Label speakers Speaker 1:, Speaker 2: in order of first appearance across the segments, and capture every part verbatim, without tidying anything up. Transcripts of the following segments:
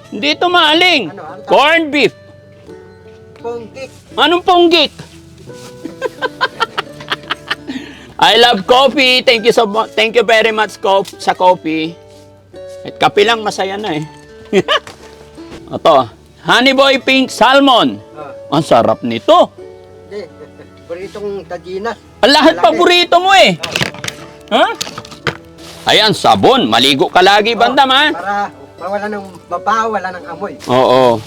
Speaker 1: Hindi ito maaling.
Speaker 2: Ano, ano?
Speaker 1: Corned beef.
Speaker 2: Ponggik.
Speaker 1: Anong ponggik? I love coffee. Thank you so much. Thank you very much co sa coffee. At kape lang masaya na eh. Ito, Honey Boy Pink Salmon.
Speaker 2: Ah.
Speaker 1: Ang sarap nito.
Speaker 2: Hindi. Buritong tajinas.
Speaker 1: Ang lahat
Speaker 2: Malaki.
Speaker 1: paborito mo eh. Ha? Ayan, sabon. Maligo ka lagi, bandam ha?
Speaker 2: Para mawala ng mabaho, wala ng amoy.
Speaker 1: Oo.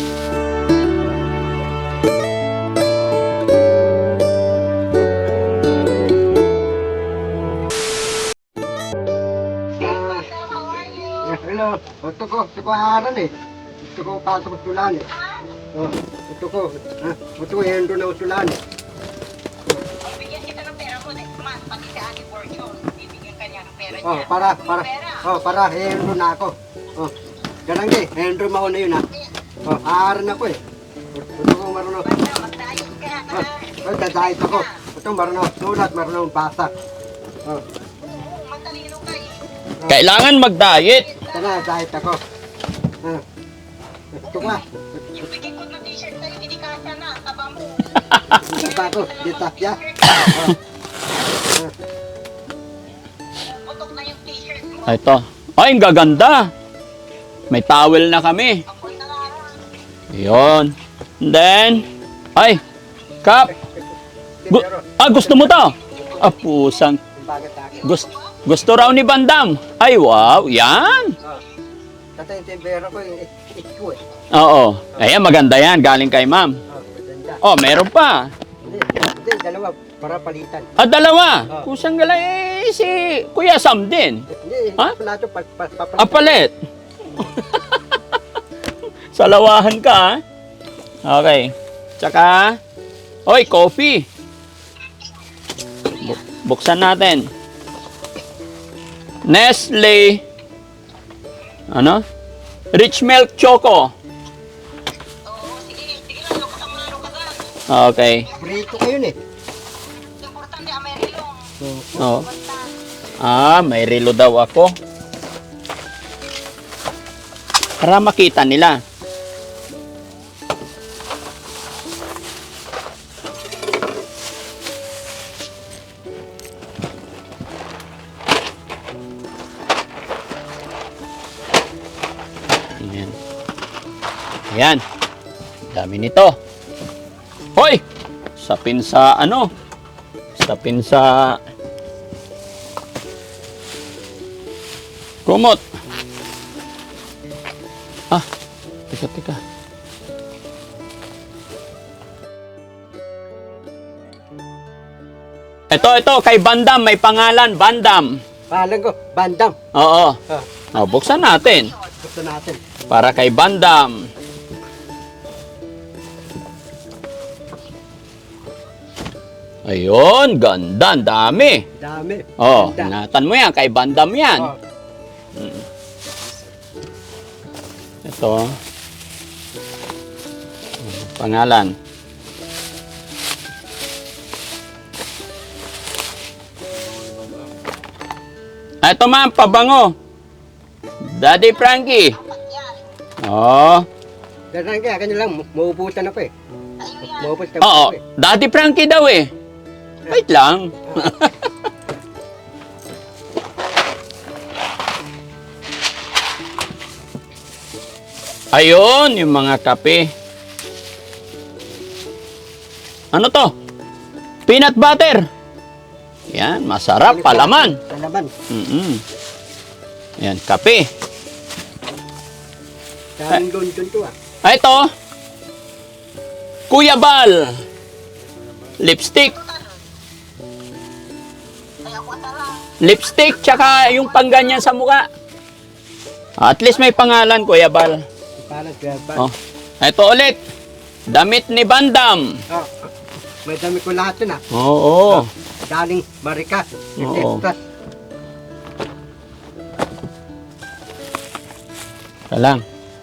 Speaker 2: Hello, gusto ko, gusto ko haran eh. Gusto ko pasok usulan eh. Oh, gusto ko, ha? Gusto ko hendo na usulan eh.
Speaker 3: Bibigyan kita ng pera mo, mas pati si Ate Fortune, bibigyan ka niya ng pera niya.
Speaker 2: Oh, para, para, oh, para hendo na ako. Oh, ganang di, hendo mauna yun ha. Oh, haran ako eh. Gusto ko marunong.
Speaker 3: Basta, magdayos ka ha.
Speaker 2: Oh, oh, dadayos ako. Gusto ko marunong sulat, marunong basa. Oh,
Speaker 3: Oo, matalino ka eh.
Speaker 1: Kailangan mag-diet.
Speaker 2: ito na, diet ako. Ah, gusto ko ah.
Speaker 3: Yung bigay ko ng t-shirt sa'yo, hindi kasya na, taba mo.
Speaker 2: Gusto ako, di tasya.
Speaker 3: Putok na yung t-shirt mo.
Speaker 1: Ito. Ay, ang gaganda. May towel na kami.
Speaker 3: Ako'y nangaroon.
Speaker 1: Yun. And then, ay, Kap. Gu- ah, gusto mo to? Ah, pusang.
Speaker 2: Bakit akin?
Speaker 1: Gusto, gusto raw ni Bandam. Ay, wow. Yan.
Speaker 2: Ah, tatay yung timbero ko yung itko eh.
Speaker 1: Oo. Ayan, maganda yan. Galing kay ma'am.
Speaker 2: Ah, maganda.
Speaker 1: Oh, meron pa.
Speaker 2: Hindi, hindi, dalawa, para palitan.
Speaker 1: Ah, dalawa.
Speaker 2: Oh.
Speaker 1: Kusang gala eh, si Kuya Sam din.
Speaker 2: Hindi,
Speaker 1: Ha?
Speaker 2: pa nato, pa, pa, papalitan.
Speaker 1: Ah, palit. Salawahan ka, ha? Okay. Tsaka, oy, coffee. Bu- buksan natin. Nestle. Ano? Rich Milk Choco.
Speaker 3: Oo, sige, sige lang, lukot ang mga lukasan.
Speaker 1: Okay.
Speaker 2: Prito ko yun eh.
Speaker 3: Importante, Amerilong.
Speaker 1: Oh.
Speaker 3: Basta,
Speaker 1: Ah, may relo daw ako. Para makita nila. Ayan. Ayan. Dami nito. Hoy! Sapin sa ano? Sapin sa kumot. Ah, teka, teka. Ito, ito, kay Bandam, may pangalan, Bandam.
Speaker 2: Pahalan ko, bandam.
Speaker 1: Oo.
Speaker 2: Ah,
Speaker 1: Oh, buksan natin.
Speaker 2: gusto natin.
Speaker 1: Para kay Bandam. Ayun, ganda, ang dami.
Speaker 2: Dami.
Speaker 1: Oh,
Speaker 2: Ganda.
Speaker 1: ingatan mo yan, kay Bandam yan.
Speaker 2: Oh,
Speaker 1: Ito. Pangalan. Ah, ito ma'am, pabango. Daddy Frankie.
Speaker 3: apat yan.
Speaker 1: Oh.
Speaker 2: ganang kaya, kanya lang, mauubusan ako eh.
Speaker 3: Ayun yan.
Speaker 2: Maubos ka
Speaker 1: Oo,
Speaker 2: ako eh.
Speaker 1: Daddy Frankie daw eh. Wait lang. Ayun, yung mga kape. Ano to? Peanut butter. Yan, masarap, palaman.
Speaker 2: Palaman.
Speaker 1: Mm-mm. Yan, kape.
Speaker 2: Daming doon doon to ah.
Speaker 1: Ah, ito. Kuya Bal. Lipstick.
Speaker 3: Kaya ako sarang.
Speaker 1: Lipstick, tsaka yung pangganyan sa mukha. At least may pangalan, Kuya Bal.
Speaker 2: Parang kaya ba?
Speaker 1: Oh. Ito ulit. Damit ni Bandam.
Speaker 2: Oh, may dami ko lahat yun ah.
Speaker 1: Oo.
Speaker 2: Galing Maricas,
Speaker 1: Oo.
Speaker 2: Texas.
Speaker 1: Ika lang.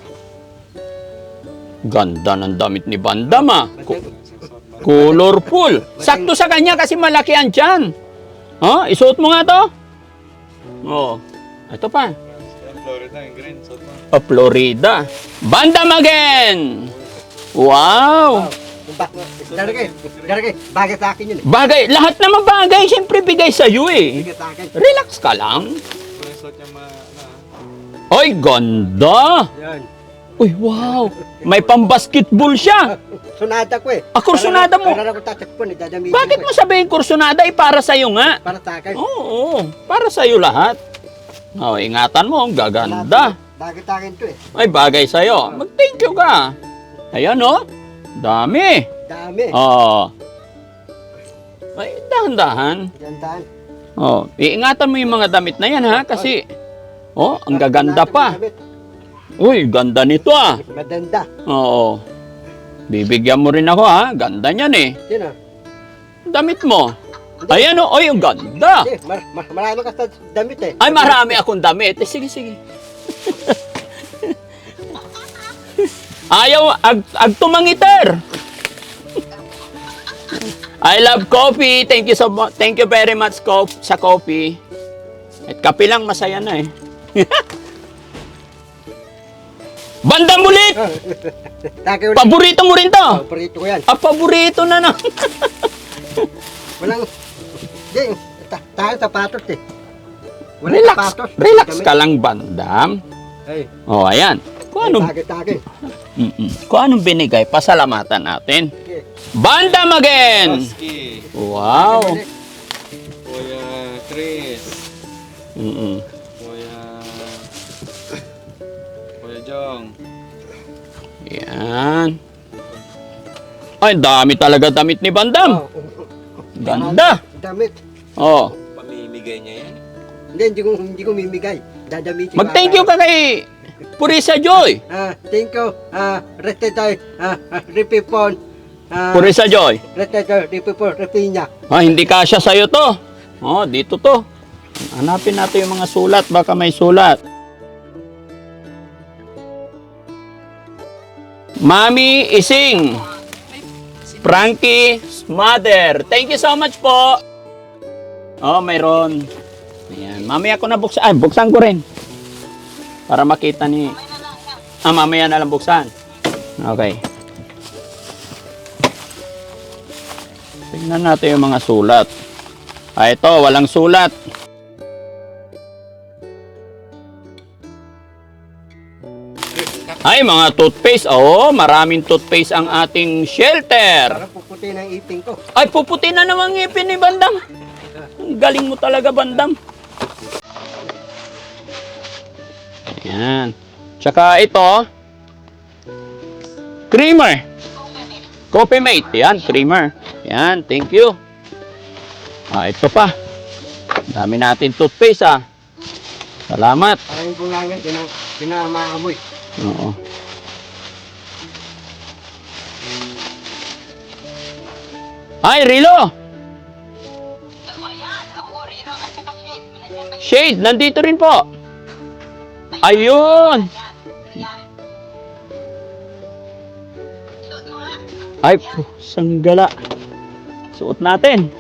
Speaker 1: Ganda ng damit ni Bandam ah. Ku- colorful. Sakto sa kanya kasi malaki ang tiyan. Oh, isuot mo nga to. Oh. Ito pa.
Speaker 4: Florida yung green. So,
Speaker 1: O, Florida. Bandam again! Wow!
Speaker 2: Ba, Daragay, Daragay, bagay sa akin yun eh.
Speaker 1: Bagay, lahat naman bagay, siyempre bigay sa'yo eh.
Speaker 2: Bagay sa akin.
Speaker 1: Relax ka lang.
Speaker 4: kung yung suot niya ma... Na,
Speaker 1: Oy, ganda!
Speaker 2: Yan.
Speaker 1: Uy, wow! May pambasketball siya.
Speaker 2: Sunada ko eh.
Speaker 1: Ah, kursunada mo?
Speaker 2: Para ako tatakpon eh, dadamitin
Speaker 1: Bakit
Speaker 2: ko
Speaker 1: mo
Speaker 2: eh.
Speaker 1: sabihin kursunada eh, para sa'yo nga?
Speaker 2: Para sa akin.
Speaker 1: Oo, para sa'yo lahat. Oh, ingatan mo, ang gaganda.
Speaker 2: Bagay sa akin to eh.
Speaker 1: Ay, bagay sa'yo. Mag-thank you ka. Ayan, oh. Dami.
Speaker 2: Dami.
Speaker 1: Oo. Ay, dahan-dahan.
Speaker 2: Gandaan.
Speaker 1: Oh, iingatan mo yung mga damit na yan, ha? Kasi, oh, ang gaganda pa. Uy, ganda nito, ah.
Speaker 2: Madanda.
Speaker 1: Oo. Bibigyan mo rin ako, ha? Ganda niyan, eh.
Speaker 2: Sino?
Speaker 1: Damit mo. Ayan, oh. Ay, ang ganda.
Speaker 2: Eh, mar mar marami ka sa damit eh.
Speaker 1: Ay, marami akong damit. Eh, sige, sige. Ayaw, ag, ag tumangiter. I love coffee. Thank you so much. Thank you very much co sa coffee. At kape lang, masaya na eh. Bandang bulit!
Speaker 2: Taki ulit.
Speaker 1: Paborito mo rin to.
Speaker 2: Oh, paborito ko yan.
Speaker 1: Ah, paborito na na.
Speaker 2: Walang... Di, ta- tayo sapatos eh. Walang
Speaker 1: Relax.
Speaker 2: sapatos.
Speaker 1: Relax
Speaker 2: Damit.
Speaker 1: ka lang, bandam.
Speaker 2: Ay,
Speaker 1: Oh, ayan. Kung anong,
Speaker 2: bagay sa akin.
Speaker 1: mm-mm. Kung anong binigay, pasalamatan natin.
Speaker 2: Okay.
Speaker 1: Bandam again!
Speaker 4: Husky.
Speaker 1: Wow!
Speaker 4: Kuya Chris.
Speaker 1: Mm-mm.
Speaker 4: Kuya... Kuya Jong.
Speaker 1: Yan. Ay, dami talaga damit ni Bandam.
Speaker 2: Oh,
Speaker 1: Ganda.
Speaker 2: damit.
Speaker 1: Oh.
Speaker 4: Pamimigay niya yan.
Speaker 2: Hindi, hindi ko, hindi ko mimigay. Dadamitin
Speaker 1: Mag-thank you ka kay Purisa Joy.
Speaker 2: Ah, thank you. Ah, retetoy. Ah, ah, ripipon. Ah,
Speaker 1: Purisa Joy.
Speaker 2: retetoy, ripipon, ripinya.
Speaker 1: Ah, hindi kasya sa'yo to. Oh, dito to. Hanapin natin yung mga sulat. Baka may sulat. Mami Ising. Frankie's mother. Thank you so much po. Oh, mayroon. Ayan. Mamaya ko na buksan. Ay, buksan ko rin. Para makita ni... Ah, mamaya na lang buksan. Okay. Tingnan natin yung mga sulat. Ah, ito, walang sulat. Ay, mga toothpaste. Oo, maraming toothpaste ang ating shelter.
Speaker 2: Para puputi ng ipin ko.
Speaker 1: Ay, puputi na naman ngipin ni Bandam. Ang galing mo talaga, Bandam. Ayan. Tsaka ito, creamer. Coffee mate. Yan, creamer. Yan, thank you. Ah, ito pa. Dami natin toothpaste, ah. Salamat.
Speaker 2: Parang yung bungangan, pinang, pinamaamoy.
Speaker 1: Oo. Ay, Rilo! Shade, nandito rin po. Ayun! Ay, puh, sanggala. Suot natin.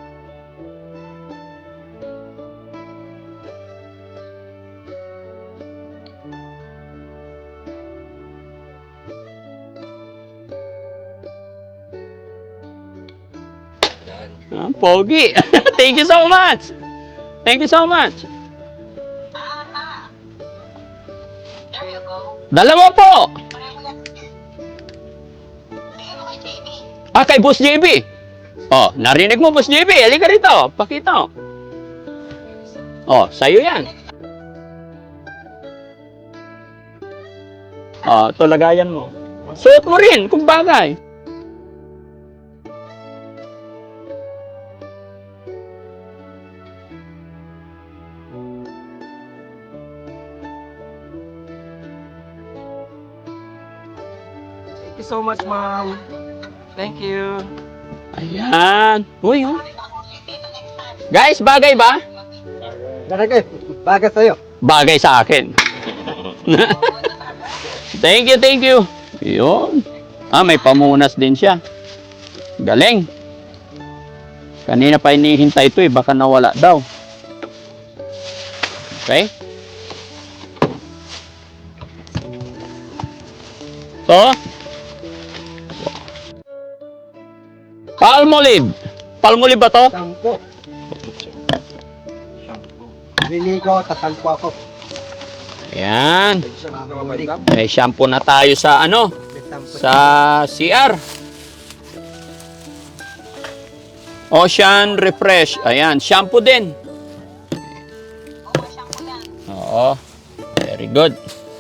Speaker 1: Ah, pogi. Thank you so much. Thank you so much.
Speaker 3: There you go.
Speaker 1: Dalawa po.
Speaker 3: Pareho yan. Sige mo kay J B.
Speaker 1: Ah, kay Boss J B. Oh, narinig mo, Boss J B. Halika rito. Pakita. Oh, sa'yo yan. Oh, ito lagayan mo. Suot mo rin, kung bagay.
Speaker 4: Thank you so much, Mom. Thank you.
Speaker 1: Ayan. Uy, oh. Guys, bagay ba?
Speaker 2: Daragay, bagay sa'yo.
Speaker 1: Bagay sa akin. Thank you, thank you. Yun. Ah, may pamunas din siya. Galing. Kanina pa hinihintay ito eh. Baka nawala daw. Okay? to? Palmolive. Palmolive ba to?
Speaker 2: Sampo. Liligo, tatampo ako.
Speaker 1: Ayan.
Speaker 2: Balik.
Speaker 1: May shampoo na tayo sa ano?
Speaker 2: Sampo.
Speaker 1: Sa C R. Ocean Refresh. Ayan, shampoo din.
Speaker 3: Oo, shampoo lang.
Speaker 1: Oo. Very good.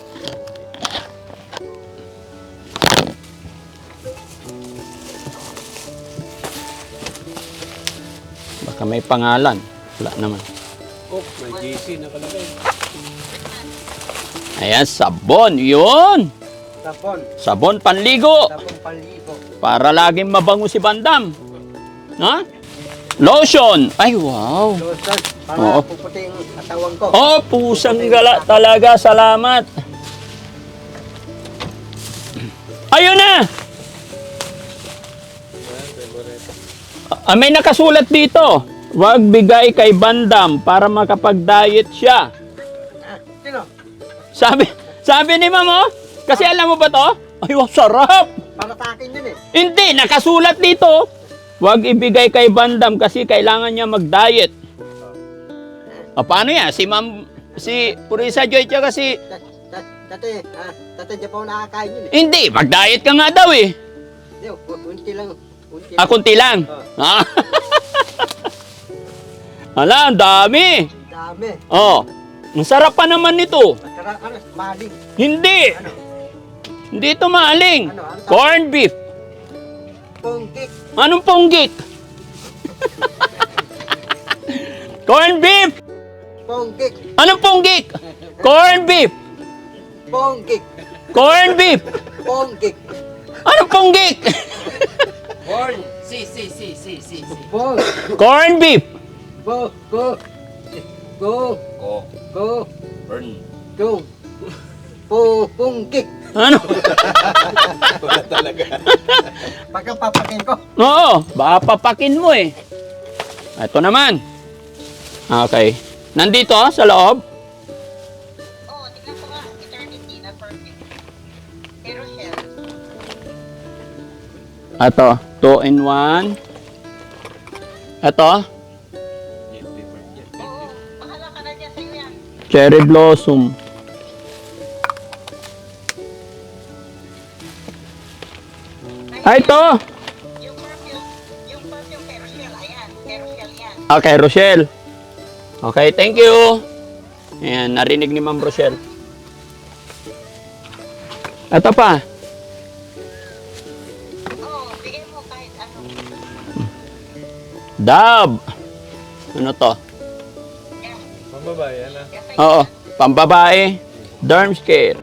Speaker 1: Baka may pangalan. Wala naman.
Speaker 4: Oh, may J C nakalagay.
Speaker 1: Ayan, sabon. Yun.
Speaker 2: Tapon.
Speaker 1: Sabon panligo.
Speaker 2: Tapon paligo.
Speaker 1: Para laging mabango si Bandam. Ha? Lotion. Ay, wow.
Speaker 2: Lotion. Para
Speaker 1: Oo.
Speaker 2: puputi yung katawan ko.
Speaker 1: Oh, pusang gala talaga. Salamat. Ayun na. Ah, may nakasulat dito. Huwag bigay kay Bandam para makapag-diet siya.
Speaker 2: Ah, sino?
Speaker 1: Sabi, sabi ni Ma'am, oh. Kasi alam mo ba to? Ay, wow, sarap.
Speaker 2: Para sa akin yun eh.
Speaker 1: Hindi, nakasulat dito. Huwag ibigay kay Bandam kasi kailangan niya mag-diet. O, paano yan? Si Ma'am, si Purisa Joy, tsaka si...
Speaker 2: Dat- dat- Dati, ah, dati di pa ako nakakain yun eh.
Speaker 1: Hindi, mag-diet ka nga daw eh.
Speaker 2: Hindi, unti lang. Unti
Speaker 1: Ah, kunti lang. Ah. Ala, ang dami.
Speaker 2: Dami.
Speaker 1: Oh, ang sarap pa naman nito.
Speaker 2: Masarap, ano, maling.
Speaker 1: Hindi.
Speaker 2: Ano?
Speaker 1: Hindi ito maaling.
Speaker 2: Ano? Ano?
Speaker 1: Corn beef.
Speaker 2: Punggik.
Speaker 1: Anong ponggik? Corn beef.
Speaker 2: Punggik.
Speaker 1: Anong ponggik? Corn beef.
Speaker 2: Punggik.
Speaker 1: Corn beef.
Speaker 2: Punggik.
Speaker 1: Anong ponggik?
Speaker 4: Born. Si, si, si, si, si, si.
Speaker 2: Bong.
Speaker 1: Corn beef.
Speaker 2: Go. Go. Go.
Speaker 4: Ko.
Speaker 2: Go.
Speaker 4: Burn.
Speaker 2: Go. Pu- Punggik.
Speaker 1: Ano?
Speaker 4: Wala talaga.
Speaker 2: Pagka papakin ko.
Speaker 1: Oo, baka papakin mo eh. Ito naman. Okay. Nandito ah, sa loob.
Speaker 3: Oo, tignan ko nga. Eternity na perfect. Pero shell.
Speaker 1: Ito, two in one. Ito,
Speaker 3: Oo, bahala ka na dyan sa'yo yan.
Speaker 1: cherry blossom. Ay, ito.
Speaker 3: Yung perfume, yung perfume pero shell, ayan. Pero shell yan.
Speaker 1: Okay, Rochelle. Okay, thank you. Ayan, narinig ni Ma'am Rochelle. Ito pa.
Speaker 3: Oo, bigay mo kahit ano.
Speaker 1: Dab. Ano to?
Speaker 3: Yan.
Speaker 4: Pambabae, ano?
Speaker 3: Yan sa'yo.
Speaker 1: Oo, pambabae. Derm care.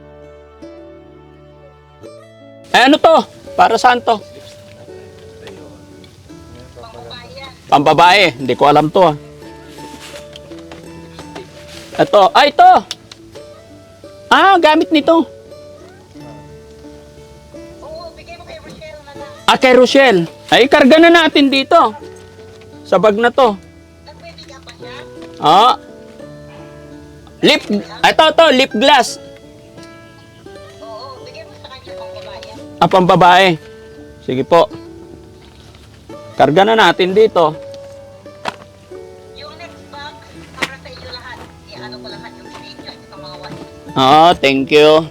Speaker 1: Eh, ano to? Para saan to?
Speaker 3: Pangbabae yan.
Speaker 1: Pambabae. Hindi ko alam to. ah. Ito. Ah, ito. Ah, gamit nito.
Speaker 3: Oo, bigay mo kay Rochelle na lang.
Speaker 1: Ah, kay Rochelle. Ay, karga na natin dito. Sa bag na to.
Speaker 3: Nagpibigyan pa siya?
Speaker 1: Ah. Lip. Ito, to. Lip gloss.
Speaker 3: Oo, bigay mo sa kanya pangbabae yan.
Speaker 1: Ah, pambabae. Sige po. Karga na natin dito.
Speaker 3: Yung next box, para sa inyo lahat. I-ano ko lahat yung video sa mga wali.
Speaker 1: Ah, thank you.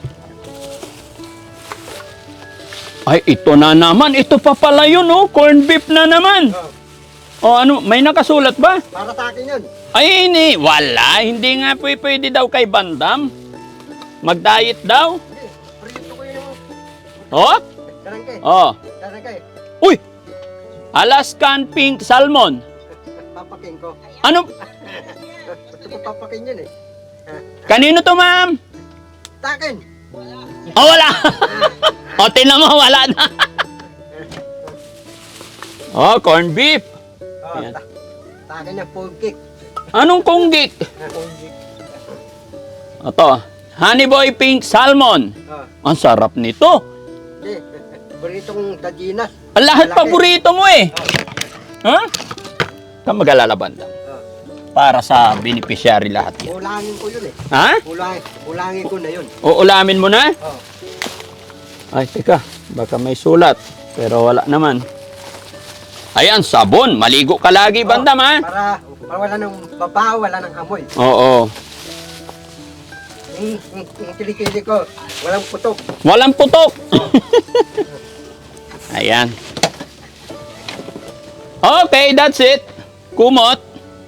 Speaker 1: Ay, ito na naman. Ito pa pala yun, oh. Corn beef na naman. O ano, may nakasulat ba?
Speaker 2: Para sa akin yun.
Speaker 1: Ay, hindi. Wala. Hindi nga pwede, pwede daw kay Bandam. Mag-diet daw.
Speaker 2: Hindi, prito ko yung...
Speaker 1: Oh?
Speaker 2: Darangke.
Speaker 1: Oh.
Speaker 2: Darangke.
Speaker 1: Uy! Alaskan pink salmon.
Speaker 2: Papakin ko.
Speaker 1: Ano?
Speaker 2: Gusto ko papakin yun eh.
Speaker 1: Kanino to, ma'am?
Speaker 2: Sa akin.
Speaker 1: Oh, wala. O, tinan mo, wala na. Oh, corn beef.
Speaker 2: Oh,
Speaker 1: Ayan.
Speaker 2: sa, sa akin yung punggik.
Speaker 1: Anong kunggik?
Speaker 2: Punggik.
Speaker 1: Ito, honey boy pink salmon.
Speaker 2: Oh,
Speaker 1: Ang sarap nito.
Speaker 2: hindi. Burrito kong tajinas.
Speaker 1: Ang lahat
Speaker 2: Malaki.
Speaker 1: paborito mo eh. Ha? Ka mag-alala, Bandam.
Speaker 2: Oh,
Speaker 1: Para sa beneficiary lahat yan.
Speaker 2: ulangin ko yun eh.
Speaker 1: Ha?
Speaker 2: Ulangin, ulangin ko na yun.
Speaker 1: Uulamin mo na?
Speaker 2: Oh,
Speaker 1: Ay, teka. Baka may sulat. Pero wala naman. Ayan, sabon. Maligo ka lagi, bandam, ha?
Speaker 2: Para, para wala ng babaw, wala ng amoy.
Speaker 1: Oo.
Speaker 2: Yung, yung, yung kilikili ko, walang putok.
Speaker 1: Walang putok. Ayan. Okay, that's it. Kumot.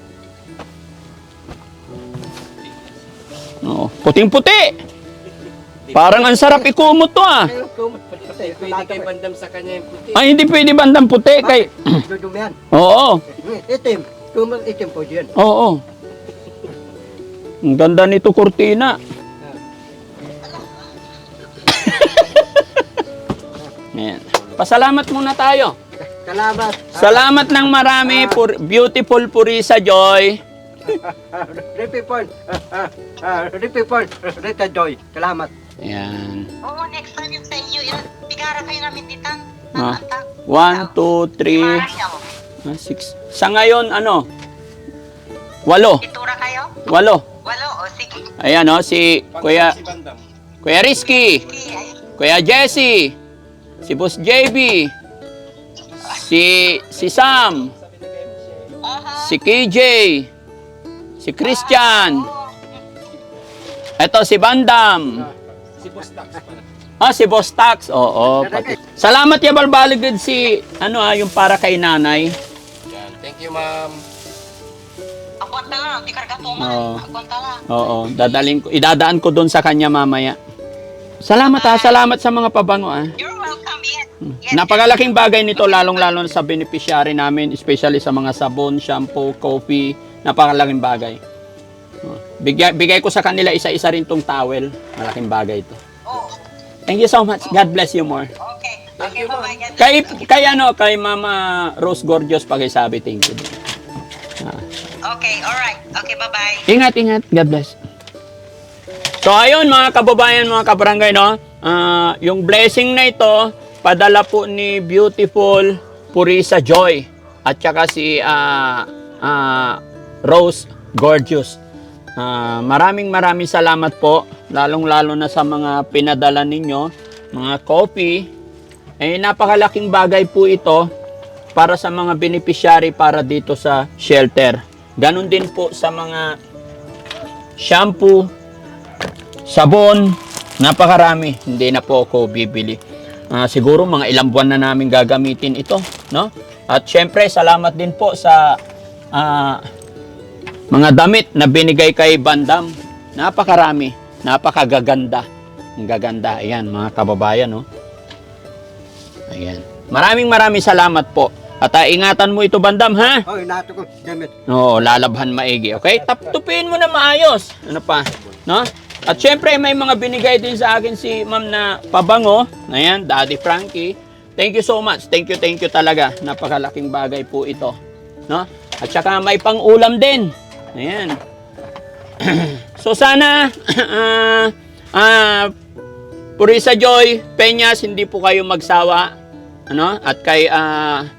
Speaker 1: Oo, puting-puti. Parang ang sarap ikumot to, ah.
Speaker 2: Ayun, kumot, puti.
Speaker 4: Pwede kay bandam sa kanya yung puti.
Speaker 1: Ay, hindi pwede bandang puti. Kay...
Speaker 2: Dudumihan.
Speaker 1: Oo.
Speaker 2: Itim. Kumot itim po dyan.
Speaker 1: Oo. Ang ganda nito, kurtina. Ayan. Pasalamat muna tayo.
Speaker 2: Salamat.
Speaker 1: Salamat ng marami, pur beautiful Purisa Joy.
Speaker 2: Ripipon. Ripipon. Rita Joy. Salamat.
Speaker 1: Ayan.
Speaker 3: Oo, next time yung sa inyo, ilan, bigara kayo namin ditan.
Speaker 1: Ah. One, two, three, ah, six. Sa ngayon, ano? Walo.
Speaker 3: Itura kayo?
Speaker 1: Walo.
Speaker 3: Walo, o sige.
Speaker 1: Ayan, oh, si Kuya,
Speaker 4: Si bandam.
Speaker 1: Kuya Rizky,
Speaker 3: Sige, ay.
Speaker 1: Kuya Jesse, si Boss J B, si, si Sam,
Speaker 3: Aha.
Speaker 1: si K J, si Christian,
Speaker 3: Oo.
Speaker 1: eto si Bandam,
Speaker 4: Si Boss Tax pala.
Speaker 1: ah, si Boss Tax, oo, pati. Salamat ya balbaligid si, ano ah, yung para kay nanay.
Speaker 4: Yan. Thank you, ma'am.
Speaker 3: Akwanta lang, di karga
Speaker 1: Oo.
Speaker 3: tuman. Akwanta lang.
Speaker 1: Oo, dadaling ko, idadaan ko doon sa kanya mamaya. Salamat ha, salamat sa mga pabango ah.
Speaker 3: You're welcome, yes. Yes,
Speaker 1: Napakalaking bagay nito, lalong-lalo sa beneficiary namin, especially sa mga sabon, shampoo, coffee. Napakalaking bagay. Oh, Bigay, bigay ko sa kanila isa-isa rin tong towel. Malaking bagay ito.
Speaker 3: Oh,
Speaker 1: Thank you so much. God bless you more.
Speaker 3: okay. Okay, bye-bye. God
Speaker 1: Kay, kay ano, kay Mama Rose Gorgeous pakisabi, thank you. Ah.
Speaker 3: Okay, alright. Okay, bye-bye.
Speaker 1: Ingat, ingat. God bless. So, ayun mga kababayan, mga kabarangay, no? Ah, yung blessing na ito, padala po ni Beautiful Purisa Joy at saka si ah, ah, Rose Gorgeous. Ah, maraming maraming salamat po, lalong-lalo na sa mga pinadala ninyo, mga coffee. Eh, napakalaking bagay po ito para sa mga beneficiary para dito sa shelter. Ganon din po sa mga shampoo, sabon, napakarami. Hindi na po ako bibili. Ah, siguro mga ilang buwan na namin gagamitin ito, no? At syempre, salamat din po sa ah, mga damit na binigay kay Bandam. Napakarami, napakagaganda. Ang gaganda. Ayan, mga kababayan, no? Ayan. Maraming maraming salamat po. At ah, ingatan mo ito, Bandam, ha?
Speaker 2: Oh, inato ko. Damit.
Speaker 1: Oo, lalabhan maigi, okay? Taptupin mo na maayos. Ano pa? No? At syempre, may mga binigay din sa akin si ma'am na pabango. Ayan, Daddy Frankie. Thank you so much. Thank you, thank you talaga. Napakalaking bagay po ito. No? At saka may pang-ulam din. Ayan. So sana, ah, ah, Purisa Joy, Peñas, hindi po kayo magsawa. Ano? At kay, ah,